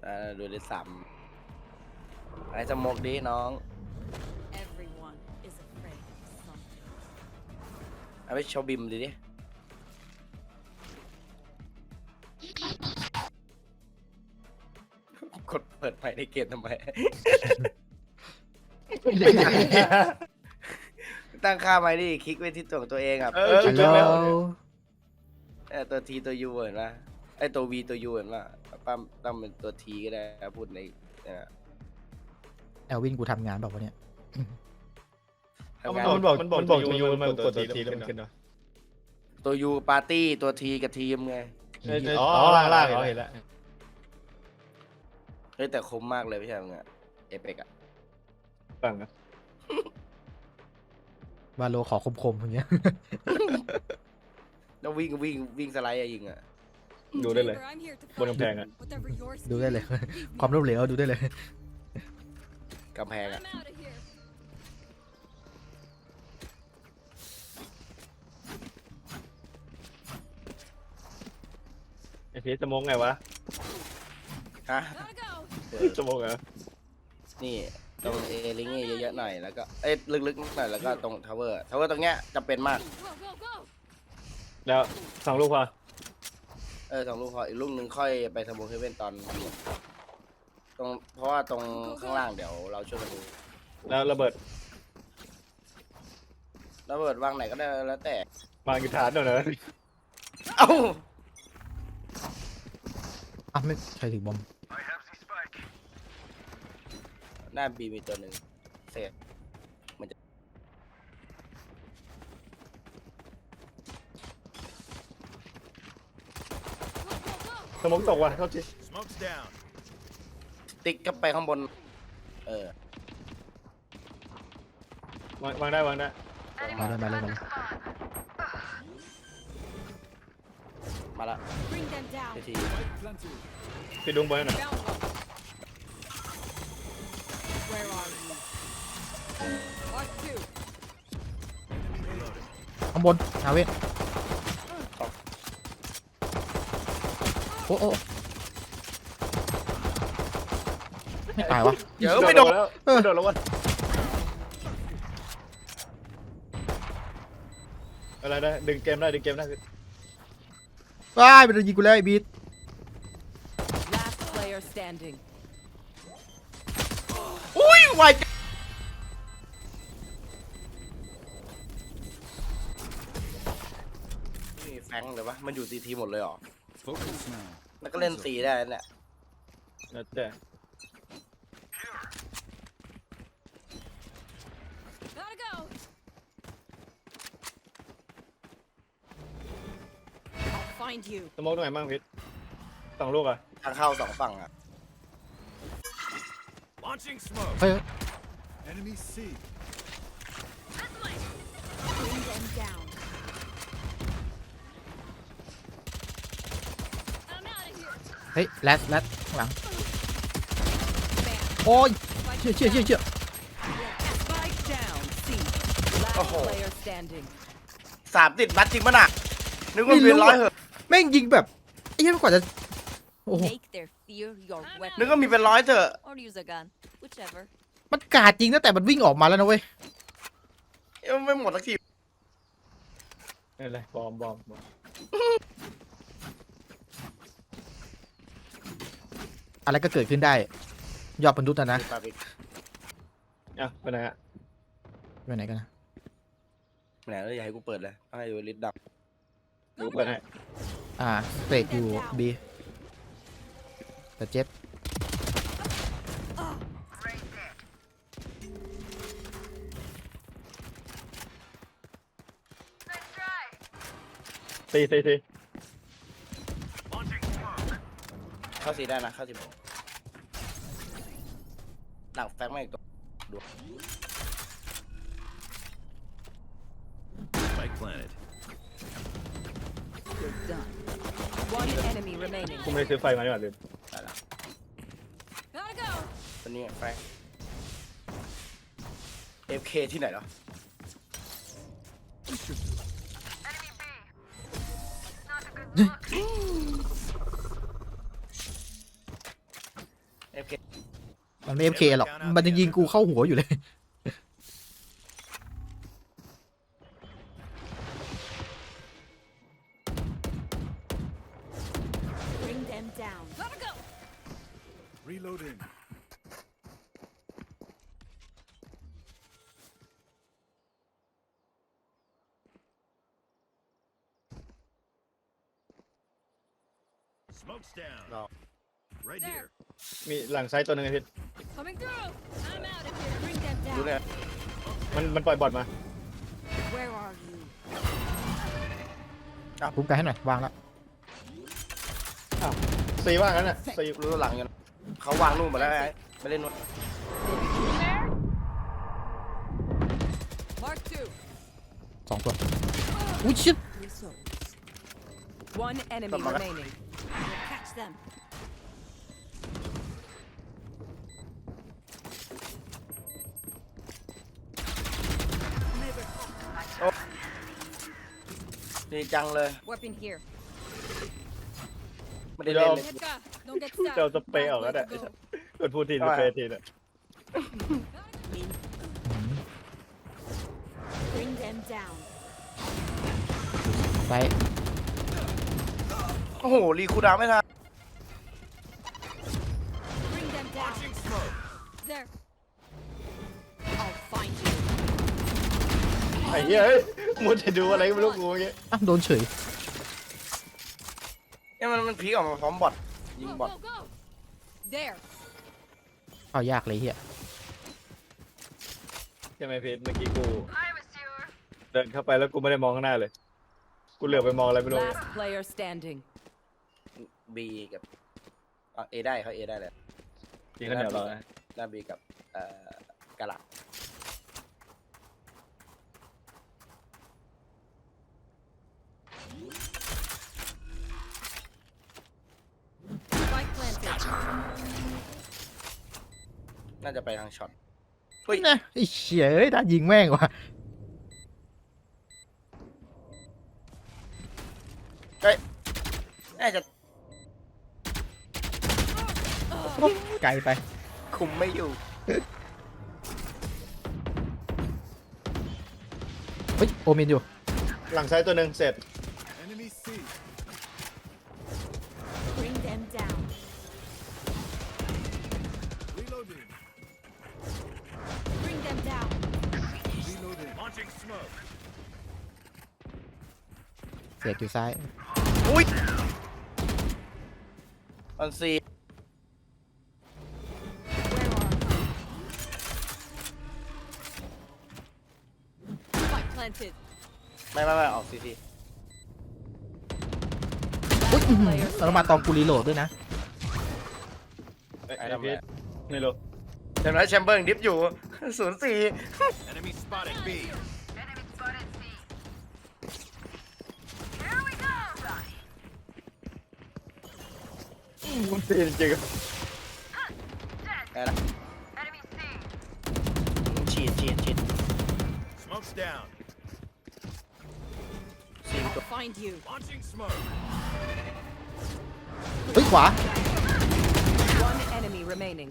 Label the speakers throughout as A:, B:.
A: ดูได้ซ้ำไอ้สมกดีน้องเอาไปโชว์บิมดิกดเปิดไฟในเกมทำไม ตั้งค่าไว้ดิคลิกไปที่ตัวเองอ่ะ
B: ฮัลโหล
A: ตัวทีตัวยูเห็นปะไอตัววีตัวยูเห็นปะปั้มตั้งเป็นตัวทีก็ได้พูดใน
B: แอลวินกูทำงานบอกว่าเนี่ย
C: มันบอกตัวยูมันกดตัวทีแล้วมันขึ้นเนาะ
A: ตัวยูปาร์ตี้ตัวทีกับทีมไง
C: อ๋อล่างเห็นแล้ว
A: เฮ้ยแต่คมมากเลยไม่ใช่ไงเอเปกอะ
C: ฟังนะ
B: วาโลขอคมๆอย่างเงี้ย
A: แล้ววิ่งสไลด์ยิงอะ
C: ดูได้เลยบนกำแพงอ่ะ
B: ดูได้เลย ความล้มเหลวดูได้เลย
A: กำแพงอะ
C: ไอพีสมองไงวะ
A: ฮะ
C: สมองเหรอ
A: นี่ตรงเอลิงเยอะๆหน่อยแล้วก็ลึกๆหน่อยแล้วก็ตรงทาวเวอร์ตรงเนี้ยจำเป็นมาก
C: แล้วสองลูกพอ
A: 2 ลูกพออีกลูกหนึ่งค่อยไปทำโบเฮเว่นตอนตรงเพราะว่าตรงข้างล่างเดี๋ยวเราช่วยกันดู
C: แล้วระเบิด
A: ระเบิดวางไหนก็ได้แล้วแต่
C: มากีฐานหน่อยนะ
A: เอ้า
B: อ่ะไม่ใช่ถึงบอม
A: หน้าบีมีตัวหนึ่งเศษ
C: สมองตกว่ะเท่าที่
A: ติ๊กก็ไปข้างบน
C: วางได้
B: มาเลยมาเลยมาเลย
A: มาละที
C: พี่ดุงบอลหน่อย
B: ข้างบนอาเวทโอ้ไม่ตายวะ
A: เดี๋ยวไม่โดน
C: แล้วไม่โดนแล้ววะอะไรได้ดึงเกมได้
B: ว้ายมันยิงกูแล้วไอ้บีท
A: อุ้ยไวจังนี่แฟงเลยวะมันอยู่ซีทีหมดเลยเหรอแล้วก็เล่นสีได้นั่นแหละ
C: แล้วแต่ สมองตรงไหนบ้างพิษสองลูกอ่ะ
A: ทางเข้า2 ฝั่งอ่ะ
B: เฮ้ย เฮ้ยแรดข้างหลังโอ้ยเชี่ย
A: โอ้โห3 ติดบัตจริงปะน่ะนึกว่าเป็น100เหอะ
B: แม่งยิงแบบไอ้เหี้ยกว่าจะโอ้โห
A: นึกว่ามีเป็น100เถอะ
B: มันกาดจริงตั้งแต่มันวิ่งออกมาแล้วนะเว้ย
A: ยังไม่หมดสักที
C: อะไรบอม
B: อะไรก็เกิดขึ้นได้ยอดมนุษย์นะ
C: อ่ะไปไหนอ่ะ
B: ไปไหนกันนะ
A: ไหนแล้วอย่าให้กูเปิดเลยให้ดูลิสต์ดับ
C: ดูไปไหน
B: เตะอยู่บีแต่เจ็บ
C: ตี
A: เข้าสีได้นะเข้าสีหมดหลังแฟงไม่อีกตัวดู
C: กูไม่ได้ซื้อไฟมาดีกว่าลืม
A: ได้แล้วตัวนี้แฟง FK ที่ไหนเหรอ FK
B: มันไม่ FK หรอกมันจะยิงกูเข้าหัวอยู่เลย
D: Bring them down. Gotta go.
E: Reloading. Smoke's down.
A: No.
E: Right
D: There.
E: here.
C: มีหลังซ้ายตัวหนึงไอ้พิษ
D: Coming through. I'm out of here. Bring them
A: ดู
D: down.
A: เนี่ย
C: มันปล่อยบอทมา
D: Where are you?
B: คุ้มกันให้หน่อยวางแล้ว
C: อ้าวซีว่างนั้นน่ะซี
A: รู้หลังอยู่นะเขาวางนู่นหมดแล้วไอ้ไม่เล่นนู่น
D: There. Mark two.
B: 2 ตัวอุ้ยชิบ
D: Results.
F: One enemy
A: Come on.
F: remaining.
D: We'll catch them.
A: ดีจังเลย
D: Weapon here.
A: ไม่ได้เล่นเลย
D: Hetka, don't get
C: เจ้า
D: stuck.
C: สเปรย์ออกแล้ว
D: Way
C: น่ะ
D: to go.
C: กดพูดทีสเปรย์ทีน่ะ
D: Bring them down.
B: ไป
A: โอ้โหรีคูลดาวน์ไม่ทัน
D: Bring them down. There. I'll find you.
C: ไอ้เหี้ยเฮ้ยมัวจะดูอะไรไม่รู้กูเมื่อกี้
B: อ่ะโดนเฉย
A: เนี่ยมันพีคออกมาพร้อมบอทยิง
D: Go,
A: บอท
D: go, go. There.
B: เข้ายากเลยเฮีย
C: ใช่ไหมพีทเมื่อกี้กูเดินเข้าไปแล้วกูไม่ได้มองข้างหน้าเลย กูเหลือบไปมองอะไรไม่รู้
F: Last player standing.
A: B กับA ได้เขา A ได้เลย
C: กินข้าวเหนียวเรานะ
A: หน้า B กับกะหล่
D: Spike planted.
A: ำน่าจะไปทางช็อต
B: เฮ้ยนะไอ้เชี่ยเอ้ยน่ายิงแม่งว่ะ
A: น่าจะ
B: ไกลไป
A: คุมไม่อยู่
B: เฮ้ยโอเมนอยู่
C: หลังซ้ายตัวหนึ่งเสร็จ
E: Enemy C.
D: Bring them down.
E: Reloading.
D: Bring them down.
E: Reloading. Launching smoke.
B: เสียอยู่ซ้าย
A: อุ้ยออนซี
D: Where are you? Spike planted.
A: ไม่ออกซีที
B: อุ้ยอื้อหือแล้วมาตองกูรีโหลดด้วยนะ
C: ไอ้พีทไม่รู้
A: เห็นไหมแชมเบอร์ดิฟอยู่ 04
E: Enemy spotted B.
C: มันตีจริง
A: อะไรนะฉีด
E: Smoke's down.
A: ซีตัว
D: I'll find you.
E: Launching smoke.
B: เฮ้ยขวา
F: One enemy remaining.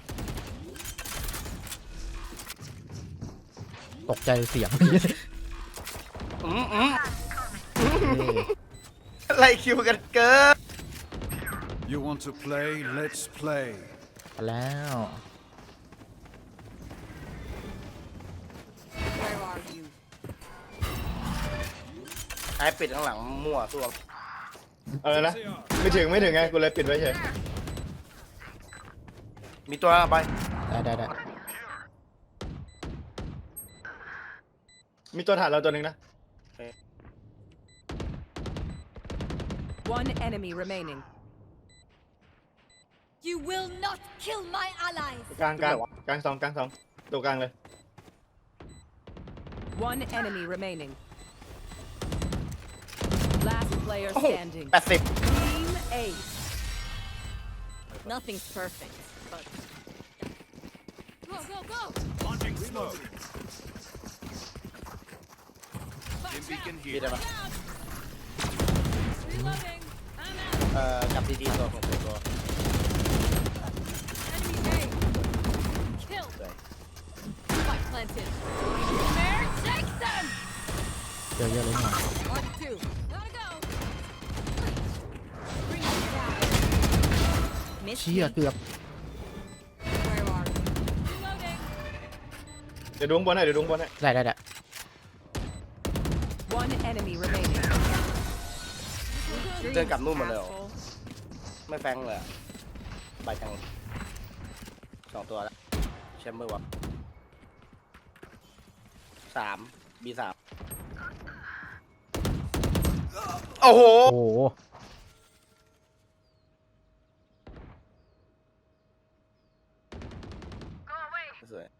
B: ตกใจเสียง
A: ไล่คิวกันเกิน
E: You want to play? Let's play.
B: แล้ว
D: Where are you?
A: ไอ้ปิดข้างหลังมั่วตัว
C: ๆอะไรนะไม่ถึงไงกูเลยปิดไว้เฉย
A: มีตัวไป
B: ได้
C: มีตัวถ่านเราตัวหนึ่งนะ
F: One enemy remaining.
D: You will not kill my allies.
C: กลางสองตัวกลางเลย
F: One enemy remaining. Last player
A: โอ้โห
F: standing.
A: 80
F: Team Ace.
D: Nothing's perfect, but go, go, go.
E: Launching smoke. Dim beacon
A: มี
E: here.
A: ได้ปะ
D: Reloading. I'm out.
A: กับดีๆตัวของตัว
B: เจอเยอะเลยหน่อย
D: Mark 2. Gotta go. Bring it down. Miss
B: เชี่ย
D: me.
B: เกือบ
D: Where are you? Reloading.
C: เดี๋ยวดูข้างบนให้เดี๋ยวดูข้างบนให้
B: ได้
F: One enemy remaining.
A: เดินกลับนู่นหมดเลยเหรอ ไม่แฟงเลยอะไปทาง2 ตัวแล้วแชมเบอร์วะ3 B3 โอ้โห
B: โอ้โห
A: สวย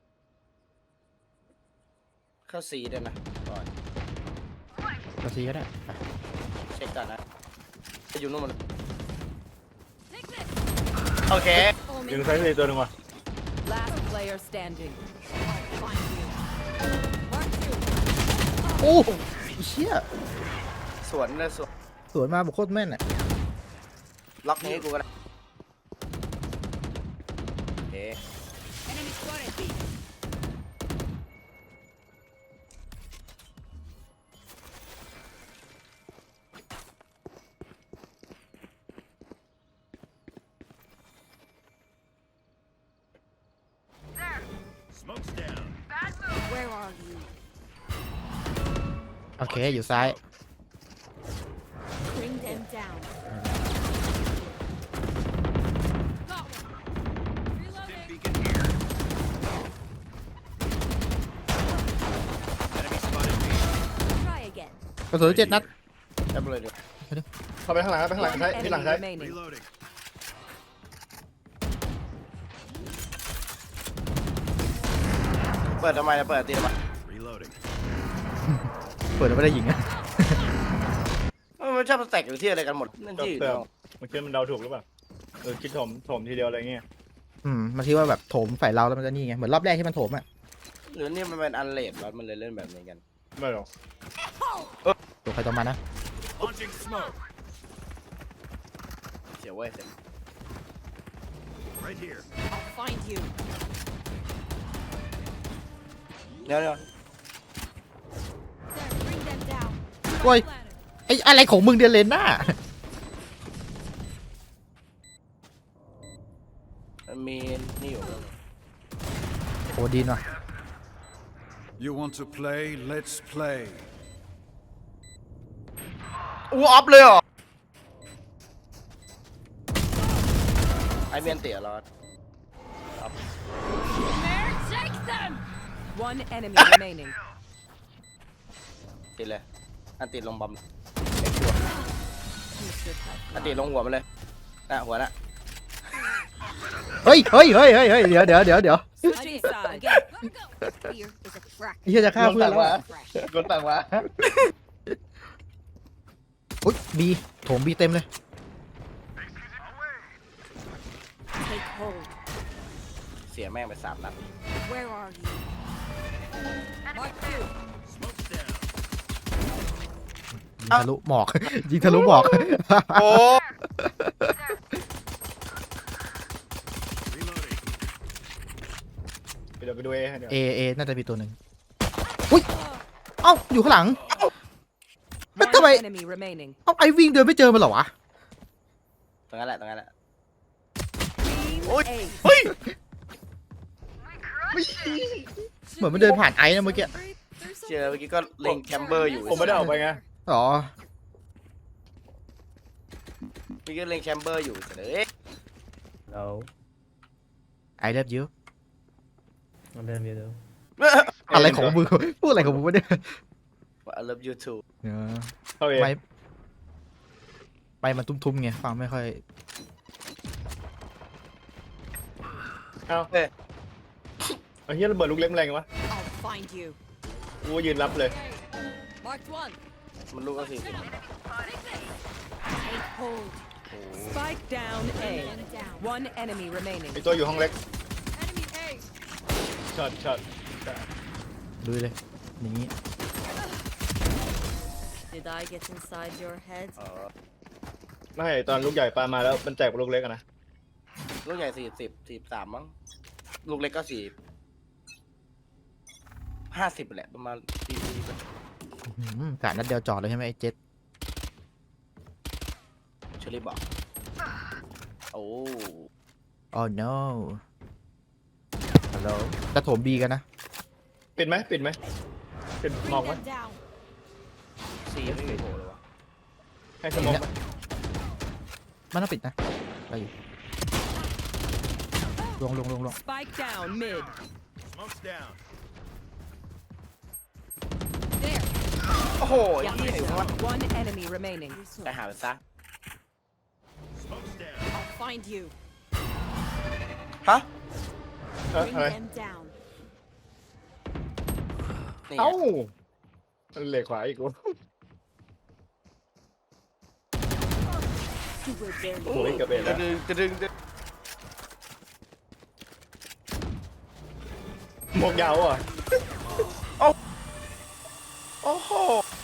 A: เข้าซีด้วยนะก่อน
B: กระซีก็ได้ไป
A: เช็คก่อนนะจะอยู่นู่นหมัน
D: Take this.
A: โอเค
C: ยิงซ้ายทีตัวหนึ่งว่ะ
F: Last player standing.
D: Find you. Mark 2.
B: โอ้เชี่ย
A: สวนเลยสวน
B: สวนมาบอกโคตรแม่นอ่ะ
A: ล็อกนี้ให้กูก็ได้โอเค
D: Enemy spotted B.
B: โอเคอยู่ซ้าย
D: Bring them down. Got one. Reloading. Try again.
B: กระสุน7 นัด
A: แอบเลยดิ
C: เข้าไปข้างหลังไปข้างหลัง
F: One
C: ซ้ายที่หลัง
F: enemy
C: ซ้าย
F: remaining.
E: Reloading.
A: เปิดทำไมนะเปิดตีทำไม
E: Reloading.
B: เปิดแล้วไม่ได้ยิงอะ
A: มันชอบแตกอยู่ที่อะไรกันหมดนั่น
C: ก็
A: ที่
C: เติมมันคิดมันเดาถูกหรือเปล่าคิดถมทีเดียวอะไรเงี้ย
B: มันคิดว่าแบบโถมใส่เราแล้วมันจะนี่ไงเหมือนรอบแรกที่มันโถมอ่ะ
A: หรือนี่มันเป็นอันเลดวะมันเลยเล่นแบบนี้กัน
C: ไม่หรอก
B: ตัวใครตัวมันนะ
E: Launching smoke.
A: เสียเว้ยเสีย
E: Right here.
D: I'll find you.
A: เดี๋ยว
D: There. Bring them down.
B: โอ้ย ไอ้อะไรของมึงเดือนเลนหน้า
A: มันมีนี่อยู่
B: โอ้ดีนว่ะ
E: You want to play? Let's play.
A: อู้ออฟเลยเหรอไอเมียนเตี๋ยรอด
D: There. Take them.
F: One enemy remaining.
A: ติดเลยอันติดลงบอมเอ็กซ์ชัวร์
D: You should have.
A: อันติดลงหัวมันเลยน่ะหัวน่ะ
B: เฮ้ยเดี๋ยว
F: Switching sides.
D: Again. Gotta go. Fear is a crack.
B: ไอ้เหี้ยจะฆ่าเพื่อนแล้วอะ
D: Fresh.
A: กดต่างวะ
B: อุ้ยบีโถมบีเต็มเลย
D: Take hold.
A: เสียแม่งไป3 นัด
D: Where are you? Mark 2.
E: Smoke's down.
B: ยิงทะลุหมอก ยิงทะลุหมอก
A: โอ้
E: Reloading.
C: เดี๋ยวไปดูให้เดี๋ยว
B: เอน่าจะมีตัวหนึ่งอุ้ย เอ้าอยู่ข้างหลัง
F: One
B: Давай.
F: enemy remaining.
B: เอ้าไอ้วิ่งเดินไม่เจอมันเหรอวะ
A: ตรงนั้นแหละตรงนั้นแหละ
F: Team
A: Ôi.
F: A.
B: เหมือนมันเดินผ่านไอ้นะเมื่อกี้
A: เจอเมื่อกี้ก็เล็งแคมเบอร์อยู่
C: ผมไม่ได้ออกไปไง
B: อ๋อ
A: เมื่อกี้เล็งแชมเบอร์อยู่เฉย
B: ไอเลิฟยู
G: มันเดินไปดู
B: อะไรของมึง พูดอะไรของมึงวะเนี่ย
A: I love you too
B: เออ
C: เข้าเอง
B: ไปมันตุ้มๆไงฟังไม่ค่อย
C: เอ้าไอ้เหี้ยระเบิดลูกเล็กแรงวะ
D: I'll find you.
C: กูยืนรับเลย
D: Marked 1.
A: มันลูกก็40
D: Take hold.
F: Spike down A.
D: Them down.
F: One enemy remaining.
C: ไอ้ตัวอยู่ห้องเล็ก
D: Enemy A.
C: ช็อต
B: ดูเลย อย่างนี้
D: Did I get inside your head?
A: อ๋อ
C: ไม่ตอนลูกใหญ่ปามาแล้วมันแจกลูกเล็กอะนะ
A: ลูกใหญ่43มั้งลูกเล็กก็50แหละประมาณ40
B: กะนัดเดียวจอดเลยใช่ไหมไอ้เจ็ด
A: เชอรี่บอกโอ้
B: โอ้ no ฮัลโหลจะโถมบีกันนะ
C: ปิดไหมปิดไหมปิดมองไหม
D: down.
A: ซีไม่มีโผล่เลยวะ
C: ให้สมองไหม
B: มันต้องปิดนะไปอยู่ลง
F: Spike down mid.
E: Smoke's down.
D: There.
A: โอ้โห
F: One
A: ยี่ไหนวะ
F: enemy remaining.
A: ไปหาไปซะ
E: Smoke's down.
D: I'll find you.
A: ฮะ
D: Bring
C: อะไร
D: them down.
A: นี่
C: เอ้ามันเหล็กขวาอีกวะ
D: You will barely.
C: โอ้ยกระเบนแล้ว
A: ดึง
C: หมวกยาวอ่ะ
A: โอ้โห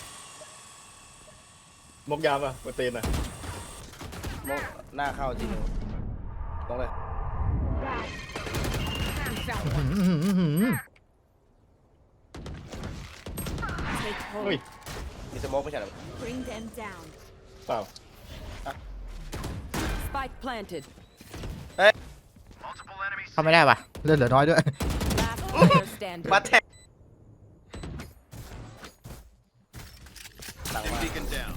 C: หมวกยาวอ่ะมาเตนอ่ะ
A: มองหน้าเข้าจริงลงเลย
D: We found
C: เ
D: Take
C: ฮ้ย
D: hold.
A: มีสโมกไม่ใช่เหรอ
D: Bring them down.
C: เปล่า
F: Spike planted.
B: เข้าไม่ได้ว่ะเลือดเหลือน้อยด้วย
F: Last player standing.
A: มาแทงหลังมา
E: Beacon down.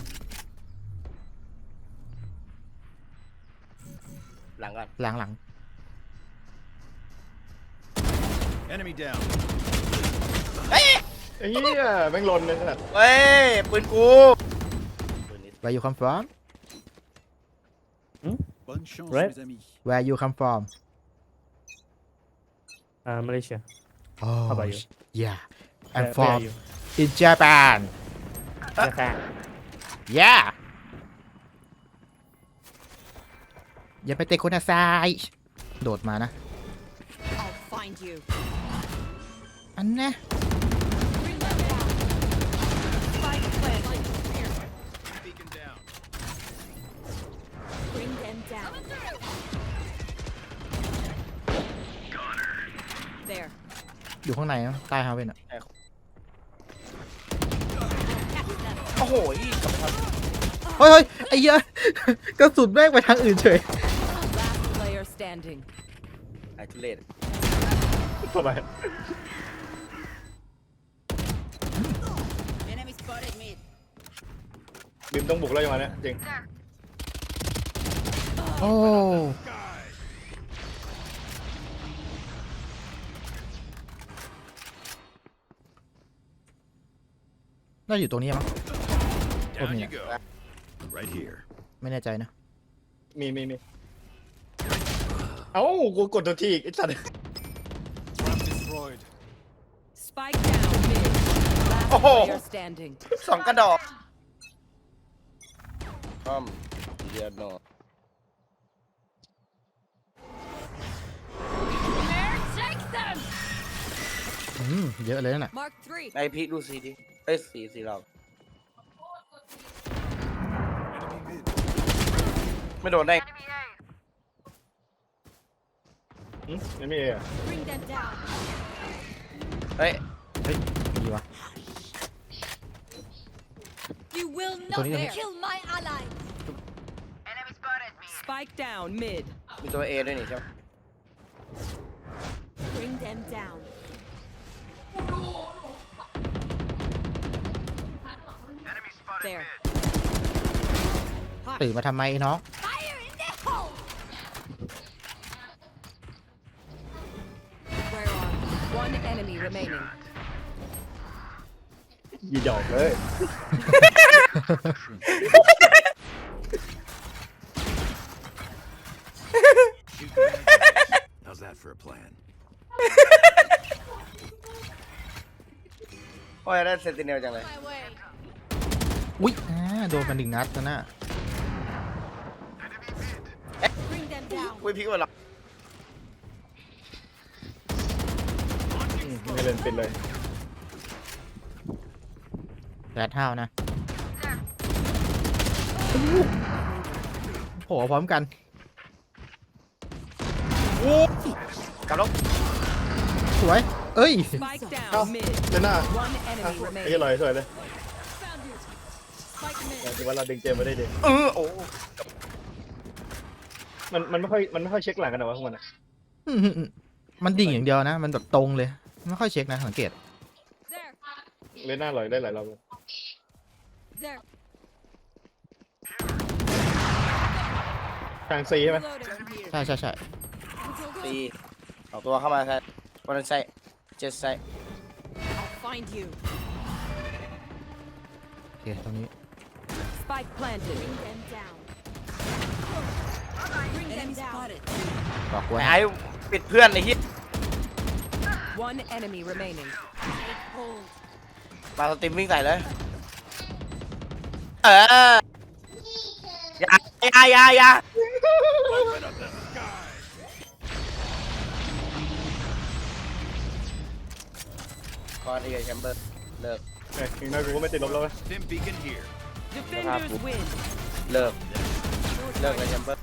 A: หลังก่อน
B: หลัง
E: Enemy down.
C: ไอ้เหี้ยแม่งหลนเลยขนาด
A: เฮ้ยปืนกูปืนนี้
B: where you come from
E: Bonne chance,
G: Right.
E: mes amis.
B: where you come from
G: Malaysia.
B: oh
G: How about you?
B: yeah I'm
G: Where are
B: from
G: you?
B: in Japan
G: Japan.
B: yeah อย่าไปเตะคนอาซายโดดมานะ
D: I'll find you.
B: อันนะ
D: Bring them down.
F: Spike planted.
E: Beacon down.
D: Bring them down. There.
B: อยู่ข้างในนะใต้ฮาเว่นอ่ะ
A: โอ้โหยี่กลับไปท
B: เฮ้ยไอ้เหี้ยกระสุนแม่งไปทางอื่นเฉย
F: Last player standing.
A: ำไอ้ทุเรศ
C: ทำไม
D: Enemy spotted mid.
C: บิมต้องบุกแล้วยังไงเนี่ยจริง
B: โอ้น่าจะอยู่ตรงนี้มั้ง
E: Down
B: Oh,
E: you
B: yeah.
E: go. Right here.
B: ไม่แน่ใจนะ
C: มีเอ้ากูกดตัวทีอีกไอ้สัตว์
E: Trap destroyed.
F: Spike down mid. Last
A: Oh.
F: player standing.
A: สองกระดอกป้อมเดียโน
D: Take them.
B: เยอะเลยนั่นน่ะ
D: Mark 3.
A: ไอพีคดูสีดิเอ้ยสีเรา
E: Enemy mid.
A: ไม่โดนได้
C: ไม่มีอ่ะ
D: Bring them down.
A: เฮ้ย
B: ดีวะ
D: You will
B: Tony,
D: not
B: there.
D: kill my ally.
F: Spike down mid.
A: มีตัวเอด้วยนี่ใช่ไหม
D: Bring them down. There.
B: ตื่นมาทำไมน้อง
D: Fire in the hole. Where are you?
F: One enemy remaining.
C: ยีดอกเลย
E: How's that for a plan?
A: โอ้ยได้เซนติเนลจังเลย
D: My way.
B: อุ๊ยโดนมาหนึ่งนัดนะน่ะ
D: Bring them down.
A: อุ้ยพีคว่าหรอ
C: ไม่เล่นปิดเลย
B: แรดห้าวนะโผล่พร้อมกัน
A: กลับแล้ว
B: สวย เอ้ย
F: Spike
C: เอ้า
F: down mid.
C: เจน่า
F: One enemy
C: ไอ้เหี้ย
F: remaining.
C: ลอยสวยเลย
D: Spike mid.
C: แต่ว่าเราดึงเจมมาได้ดี
A: โอ้
C: มันไม่ค่อยเช็คหลังกันหรอวะพวกมันอะ
B: อืมมันดิ่งอย่างเดียวนะ มันแบบตรงเลย ไม่ค่อยเช็คนะสังเกต
D: There.
C: เล่นหน้าลอยได้หลายรอบเลย
D: There.
C: ทางซีใช่ไหม
D: Reloading.
B: ใช่ใช่ใช่
D: Go, go,
A: ตีสองตัวเข้ามาใช่วันนั้นใช่เจ็ดใช่
D: I'll find you.
B: โอเคตรงนี้
F: Spike planted.
D: Bring them down. Bring them down.
B: บอกไว้
A: ไอ้ปิดเพื่อนไอ้ที่
F: One enemy remaining.
D: Take hold.
A: มาสตรีมวิ่งใส่เลยอย่า
E: Open up the sky.
A: คอนอีกแชมเบอร์เลิก
C: อย่างน้อยกูก็ไม่ติดลบแล้วเว้ย
E: Stim beacon here.
F: Defenders win.
A: เลิกเลยแชมเบอร์